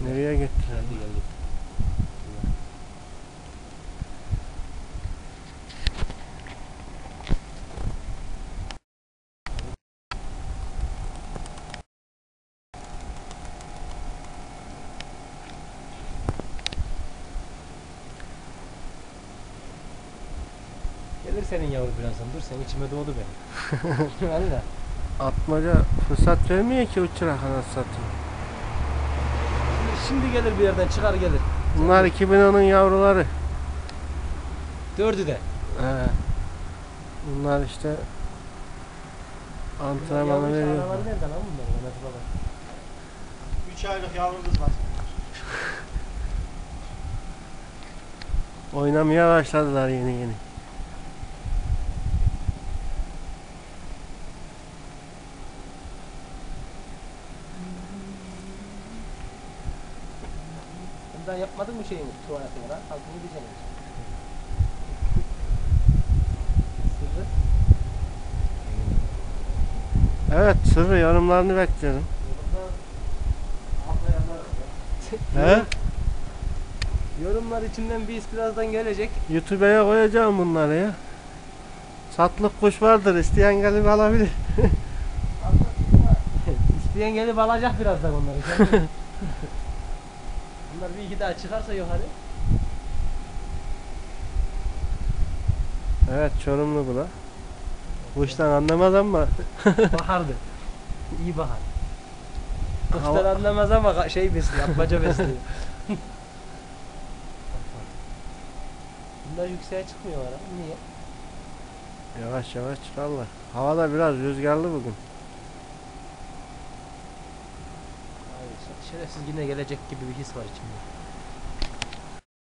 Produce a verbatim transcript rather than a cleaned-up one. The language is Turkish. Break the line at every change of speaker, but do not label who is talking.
Nereye gitti?
Geldi geldi. Gelir senin yavru birazdan. Dur sen içime doğdu benim. Valla.
Atmaca fırsat vermiyor ki uçurak anasını satayım.
Şimdi gelir bir yerden çıkar gelir.
Bunlar iki bin onun yavruları.
Dördü de.
He. Bunlar işte antrenmanı veriyor.
Yavru nereden lan bunlar? Mehmet baba.
üç aylık yavrumuz var.
Oynamaya başladılar yeni yeni.
Bundan yapmadın mı şeyini tuvaletini lan? Altını diyeceğim. Sırrı.
Evet, sırrı yorumlarını bekliyorum. He?
Yorumlar içinden bir his birazdan gelecek.
YouTube'a koyacağım bunları ya. Satlık kuş vardır, isteyen gelip alabilir.
İsteyen gelip alacak birazdan onları. Bunlar bir iki daha çıkarsa yukarı.
Evet, Çorumlu bu da. Kuştan anlamaz ama.
Bahardı. İyi bahar. Kuşlar
Hava-
anlamaz ama şey besliyor, atmaca besliyor. Bunlar yükseğe çıkmıyorlar ama niye?
Yavaş yavaş çıkarlar. Hava da biraz rüzgarlı bugün.
Abi şerefsiz yine gelecek gibi bir his var içimde.